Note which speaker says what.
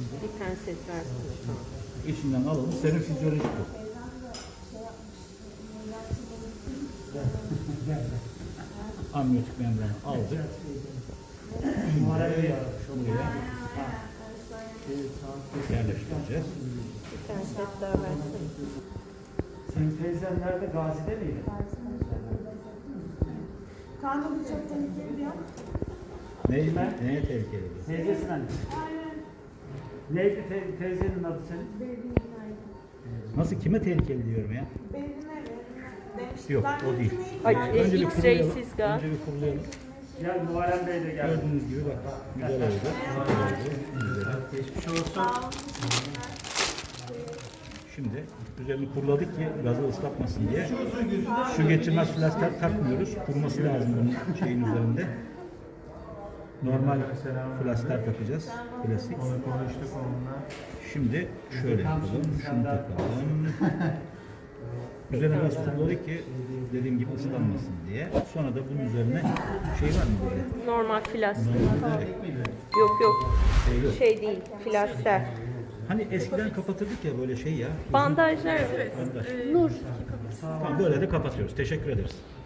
Speaker 1: Bir penset versene tamam.
Speaker 2: İçinden alalım. Serum fizyolojik bu. Amniyotik membranı aldık. Şimdi şuraya yerleştireceğiz.
Speaker 1: Bir penset daha versene.
Speaker 3: Senin teyzen nerede? Gazi'de miydi?
Speaker 4: Kanka bu çok tehlikeli diyor.
Speaker 2: Neye tehlikeli bu?
Speaker 3: Teyzesin anne. Neydi teyzenin adı senin?
Speaker 4: Benim
Speaker 2: Nasıl, kime tehlikeli diyorum ya?
Speaker 4: demiştim.
Speaker 2: Yok, o değil.
Speaker 1: Ay,
Speaker 2: Önce bir kurulayalım.
Speaker 1: X-ray'siz gaz.
Speaker 2: Önce bir kurulayalım.
Speaker 3: Gel Muharrem Bey de geldi.
Speaker 2: Gördüğünüz gibi bak, güzel oldu. Güzel oldu.
Speaker 3: Geçmiş olsun.
Speaker 2: Şimdi üzerini kuruladık ki gazı ıslatmasın diye. Su geçirmez flasker takmıyoruz. Kuruması lazım bunun şeyin üzerinde. Normal flasker takacağız. Klasik.
Speaker 3: Konuştuk onunla.
Speaker 2: Şimdi şöyle yapalım. Şunu takalım. Üzerine gaz kuruladık ki dediğim gibi ıslanmasın diye. Sonra da bunun üzerine şey var mı böyle?
Speaker 1: Normal flaster.
Speaker 2: Normalde
Speaker 1: Yok yok.
Speaker 2: yok.
Speaker 1: Şey değil, flaster.
Speaker 2: Hani eskiden kapatırdık ya böyle şey ya.
Speaker 1: Bandajlar.
Speaker 2: Bandaj.
Speaker 1: Nur.
Speaker 2: Tamam, böyle de kapatıyoruz. Teşekkür ederiz.